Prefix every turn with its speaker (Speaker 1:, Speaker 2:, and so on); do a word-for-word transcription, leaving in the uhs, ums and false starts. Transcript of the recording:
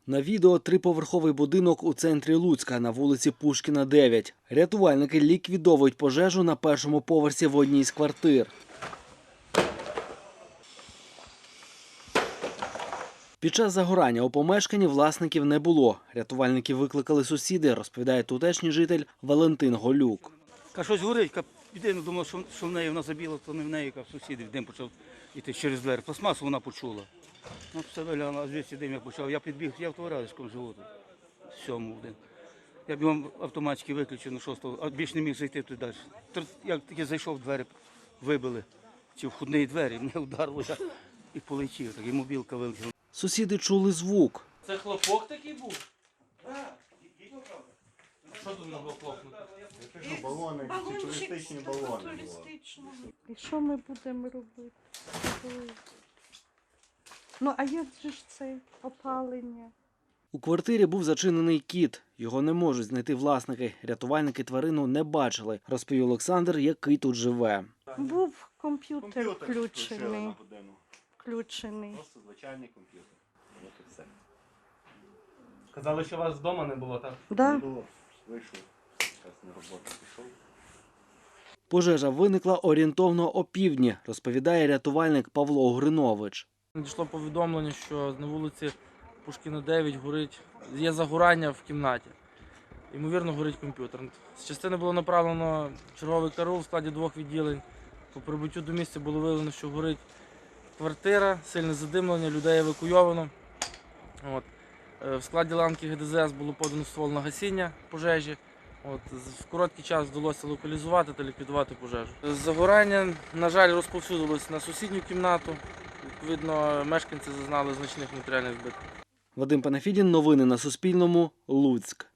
Speaker 1: На відео триповерховий будинок у центрі Луцька на вулиці Пушкіна, дев'ять. Рятувальники ліквідовують пожежу на першому поверсі в одній з квартир. Під час загорання у помешканні власників не було. Рятувальники викликали сусіди, розповідає тутешній житель Валентин Голюк.
Speaker 2: Ка щось горить, ка єдине думав, що, що в неї вона забіла, то не в неї, ка в сусідів дим почав йти через двері. Пластмасу вона почула. Ну, все виглянуло, а звідси дим я почав. Я підбіг, я в товариському живу тут, сьому один. Я бігом автоматики виключив на шостого, а більше не міг зайти туди далі. Як тільки зайшов, двері вибили, ці входні двері, мене вдарило, я і полетів, так і мобілка вилетіла.
Speaker 1: Сусіди чули звук.
Speaker 3: Це хлопок такий був? Так. Що тут могло хлопнути?
Speaker 4: Я кажу, балони, ці туристичні балони.
Speaker 5: І що ми будемо робити? Ну, а як же ж це опалення?
Speaker 1: У квартирі був зачинений кіт. Його не можуть знайти власники. Рятувальники тварину не бачили, розповів Олександр, який тут живе.
Speaker 5: Був комп'ютер
Speaker 4: Комп'ютер включили
Speaker 5: включений.
Speaker 4: на годину.
Speaker 5: включений.
Speaker 4: Просто звичайний комп'ютер. От і все.
Speaker 3: Казали, що вас вдома не було, так?
Speaker 5: Да?
Speaker 4: Не було. Вийшов. Зараз на роботу пішов.
Speaker 1: Пожежа виникла орієнтовно опівдні, розповідає рятувальник Павло Гринович.
Speaker 3: Надійшло повідомлення, що на вулиці Пушкіна, дев'ять горить, є загорання в кімнаті. Ймовірно, горить комп'ютер. З частини було направлено черговий караул в складі двох відділень. По прибуттю до місця було виявлено, що горить квартира, сильне задимлення, людей евакуйовано. От. В складі ланки Ге Де Зе Ес було подано ствол на гасіння пожежі. От. В короткий час вдалося локалізувати та ліквідувати пожежу. Загорання, на жаль, розповсюдилось на сусідню кімнату. Відповідно, мешканці зазнали значних матеріальних збитків.
Speaker 1: Вадим Панафідін, новини на Суспільному, Луцьк.